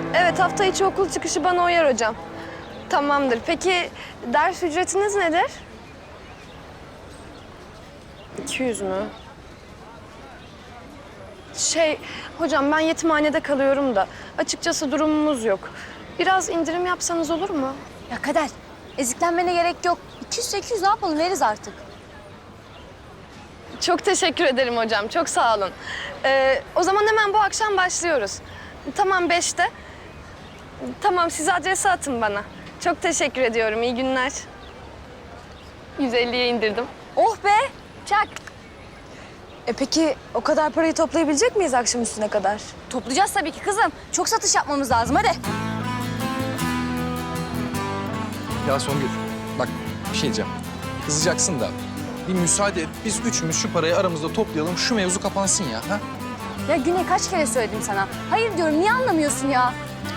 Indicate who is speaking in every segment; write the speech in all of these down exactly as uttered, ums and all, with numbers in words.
Speaker 1: Evet, hafta içi okul çıkışı bana uyar hocam. Tamamdır. Peki ders ücretiniz nedir? iki yüz mü? Şey, hocam ben yetimhanede kalıyorum da açıkçası durumumuz yok. Biraz indirim yapsanız olur mu?
Speaker 2: Ya Kader, eziklenmene gerek yok. iki yüz sekiz yüz ne yapalım, veririz artık.
Speaker 1: Çok teşekkür ederim hocam, çok sağ olun. Ee, o zaman hemen bu akşam başlıyoruz. Tamam, beşte. Tamam, siz adresi atın bana. Çok teşekkür ediyorum, iyi günler. yüz elliye indirdim.
Speaker 2: Oh be, çak. E peki o kadar parayı toplayabilecek miyiz akşam üstüne kadar? Toplayacağız tabii ki kızım. Çok satış yapmamız lazım, hadi.
Speaker 3: Ya Songül, bak bir şey diyeceğim. Kızacaksın da bir müsaade et. Biz üçümüz şu parayı aramızda toplayalım. Şu mevzu kapansın ya. Ha?
Speaker 2: Ya Güney kaç kere söyledim sana. Hayır diyorum, niye anlamıyorsun ya?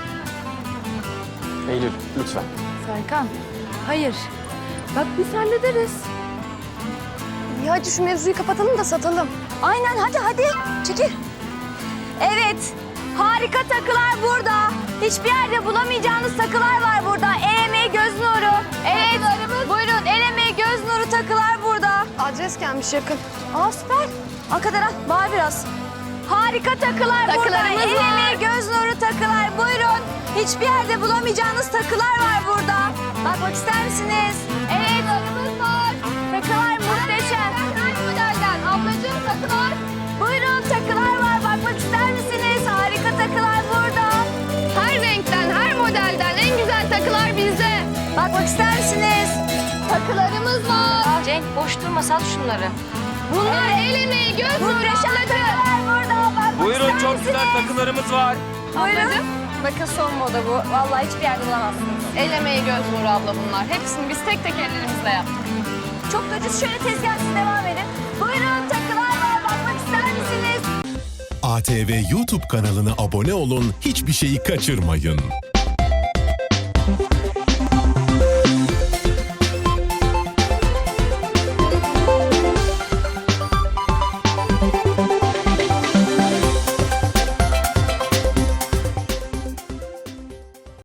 Speaker 3: Eylül, lütfen.
Speaker 1: Serkan, hayır. Bak biz hallederiz. Ya hadi şu mevzuyu kapatalım da satalım.
Speaker 2: Aynen, hadi hadi. Çekil. Evet, harika takılar burada. Hiçbir yerde bulamayacağınız takılar var burada. El emeği, göz nuru. Evet, buyurun el emeği, göz nuru takılar burada.
Speaker 1: Adres gelmiş yakın.
Speaker 2: Aa süper. Arkadaşlar, bağır biraz. Harika takılar burada.
Speaker 1: Takılarımız
Speaker 2: El
Speaker 1: var.
Speaker 2: emeği, göz nuru takılar. Buyurun. Hiçbir yerde bulamayacağınız takılar var burada. Bakmak ister misiniz? Evet, takılarımız var. Takılar muhteşem. Her modelden ablacığım takılar. Buyurun, takılar var. Bakmak ister misiniz? Harika takılar burada.
Speaker 1: Her renkten, her modelden en güzel takılar bizde.
Speaker 2: Bakmak ister misiniz?
Speaker 1: Takılarımız var.
Speaker 2: Cenk boş durma, sat şunları.
Speaker 1: Bunlar el emeği, göz nuru
Speaker 2: Muhteşem
Speaker 1: ablacığım.
Speaker 2: takılar burada. Bakmak
Speaker 4: Buyurun,
Speaker 2: ister
Speaker 4: çok güzel
Speaker 2: misiniz?
Speaker 4: takılarımız var.
Speaker 2: Buyurun. Bakın son moda bu. Vallahi hiçbir yerde bulamazsınız.
Speaker 1: El emeği, göz nuru abla bunlar. Hepsini biz tek tek ellerimizle yaptık.
Speaker 2: Çok da ucuz. Şöyle tezgahsız devam edin. Buyurun, takılar var. Bakmak ister misiniz?
Speaker 5: A T V YouTube kanalına abone olun, hiçbir şeyi kaçırmayın.